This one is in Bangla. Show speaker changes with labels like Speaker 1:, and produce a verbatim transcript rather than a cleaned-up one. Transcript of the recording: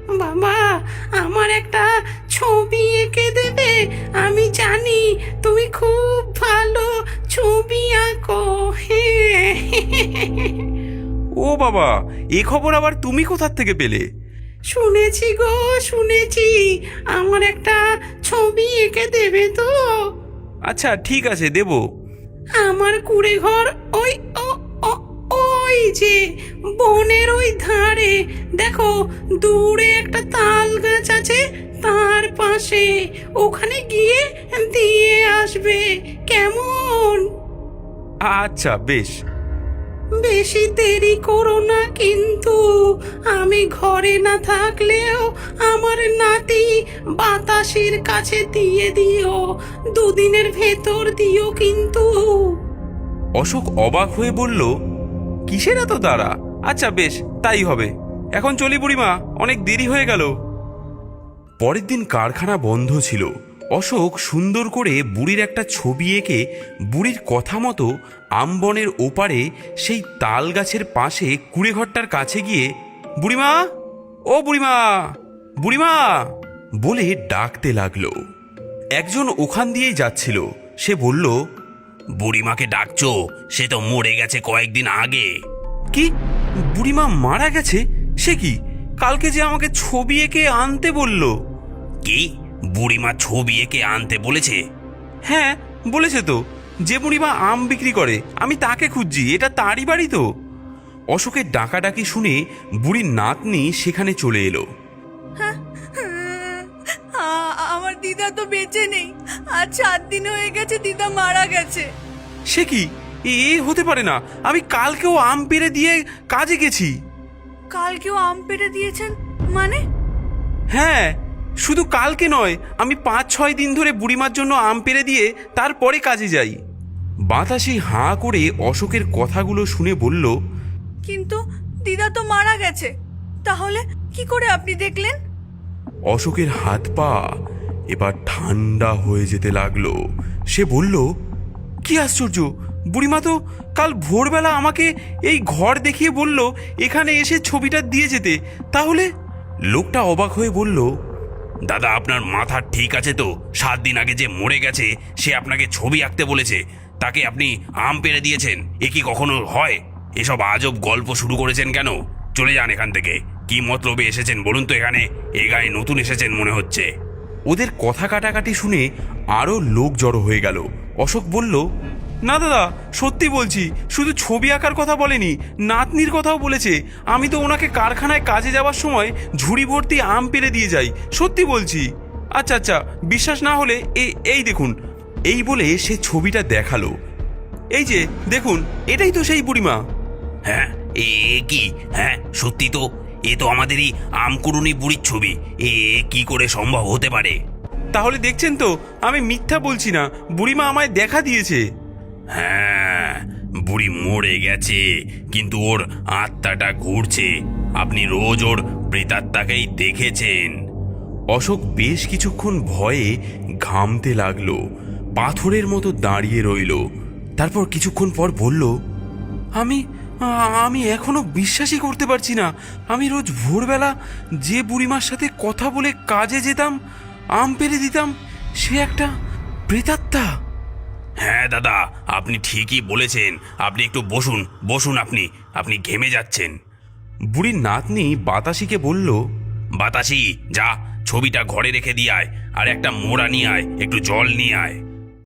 Speaker 1: বাবা, আমার একটা ছবি এঁকে দেবে? আমি জানি তুমি খুব ভালো ছবি আঁকো। হ্যাঁ।
Speaker 2: ও বাবা, এ খবর আবার তুমি কোথা থেকে পেলে?
Speaker 1: শুনেছি গো, শুনেছি। আমার একটা ছবি এঁকে দেবে তো?
Speaker 2: আচ্ছা ঠিক আছে, দেব।
Speaker 1: আমার কুড়ে ঘর ওই ও- ও- ওই যে বনের ওই ধারে, দেখো দূরে একটা তাল গাছ আছে, তার পাশে। ওখানে গিয়ে দিয়ে আসবে, কেমন?
Speaker 2: আচ্ছা বেশ।
Speaker 1: বেশি দেরি করো না কিন্তু। আমি ঘরে না থাকলেও আমার নাতি বাতাসের কাছে দিয়ে দিও, দুদিনের ভেতর দিও কিন্তু।
Speaker 2: অশোক অবাক হয়ে বলল, কিসের এত তাড়া? আচ্ছা বেশ, তাই হবে। এখন চলি বুড়িমা, অনেক দেরি হয়ে গেল। পরের দিন কারখানা বন্ধ ছিল। অশোক সুন্দর করে বুড়ির একটা ছবি এঁকে বুড়ির কথা মতো আমবনের ওপারে সেই তাল গাছের পাশে কুড়েঘরটার কাছে গিয়ে, বুড়িমা, ও বুড়িমা, বুড়িমা বলে ডাকতে লাগলো। একজন ওখান দিয়েই যাচ্ছিল। সে বলল, বুড়িমাকে ডাকছো? সে তো মরে গেছে কয়েকদিন আগে। কি, বুড়িমা মারা গেছে? সে কি, কালকে যে আমাকে ছবি এঁকে আনতে বলল। কি, বুড়িমা ছবি এঁকে আনতে বলেছে? হ্যাঁ বলেছে তো। যে বুড়িমা আম বিক্রি করে, আমি তাকে খুঁজছি। এটা তারই বাড়ি তো। অশোকের ডাকাডাকি শুনে বুড়ির নাতনি সেখানে চলে এলো।
Speaker 3: আমার দিদা তো বেঁচে নেই, আর সাত দিন হয়ে গেছে দিদা মারা গেছে।
Speaker 2: সে কি, এ হতে পারে না। আমি কালকেও আম পেড়ে দিয়ে কাজে গেছি।
Speaker 3: কালকেও আম পেড়ে দিয়েছেন মানে?
Speaker 2: হ্যাঁ, শুধু কালকে নয়, আমি পাঁচ ছয় দিন ধরে বুড়িমার জন্য আম পেড়ে দিয়ে তারপরে কাজে যাই। বাতাসি হাঁ করে অশোকের কথাগুলো শুনে বলল,
Speaker 3: কিন্তু দিদা তো মারা গেছে, তাহলে কি করে আপনি দেখলেন?
Speaker 2: অশোকের হাত পা এবার ঠান্ডা হয়ে যেতে লাগলো। সে বলল, কি আশ্চর্য, বুড়িমা তো কাল ভোরবেলা আমাকে এই ঘর দেখিয়ে বলল এখানে এসে ছবিটা দিয়ে যেতে। তাহলে? লোকটা অবাক হয়ে বলল, দাদা আপনার মাথা ঠিক আছে তো? সাত দিন আগে যে মরে গেছে সে আপনাকে ছবি আঁকতে বলেছে, তাকে আপনি আম পেড়ে দিয়েছেন? এ কি কখনো হয়? এসব আজব গল্প শুরু করেছেন কেন? চলে যান এখান থেকে। কি মতলবে এসেছেন বলুন তো এখানে? এ গায়ে নতুন এসেছেন মনে হচ্ছে। ওদের কথা কাটাকাটি শুনে আরো লোক জড়ো হয়ে গেল। অশোক বলল, না দাদা, সত্যি বলছি, শুধু ছবি আঁকার কথা বলেনি, নাতনির কথাও বলেছে। আমি তো ওনাকে কারখানায় কাজে যাওয়ার সময় ঝুড়ি ভর্তি আম পেড়ে দিয়ে যাই, সত্যি বলছি। আচ্ছা আচ্ছা, বিশ্বাস না হলে এই এই দেখুন। এই বলে সে ছবিটা দেখালো। এই যে দেখুন, এটাই তো সেই বুড়িমা। হ্যাঁ, এ কি? হ্যাঁ সত্যি তো, এ তো আমাদেরই আমকুড়ুনি বুড়ির ছবি। এ কি করে সম্ভব হতে পারে? তাহলে দেখছেন তো, আমি মিথ্যা বলছি না, বুড়িমা আমায় দেখা দিয়েছে। হ্যাঁ, বুড়ি মরে গেছে, কিন্তু ওর আত্মাটা ঘুরছে। আপনি রোজ ওর প্রেতাত্মাকেই দেখেছেন। অশোক বেশ কিছুক্ষণ ভয়ে ঘামতে লাগলো, পাথরের মতো দাঁড়িয়ে রইল। তারপর কিছুক্ষণ পর বলল, আমি আমি এখনো বিশ্বাসই করতে পারছি না। আমি রোজ ভোরবেলা যে বুড়িমার সাথে কথা বলে কাজে যেতাম, আম পেড়ে দিতাম, সে একটা প্রেতাত্মা। হ্যাঁ দাদা, আপনি ঠিকই বলেছেন। আপনি একটু বসুন, বসুন। আপনি আপনি ঘেমে যাচ্ছেন। বুড়ির নাতনি বাতাসিকে বলল, বাতাসি যা, ছবিটা ঘরে রেখে দিয়ে আয়, আর একটা মোড়া নিয়ে আয়, একটু জল নিয়ে আয়।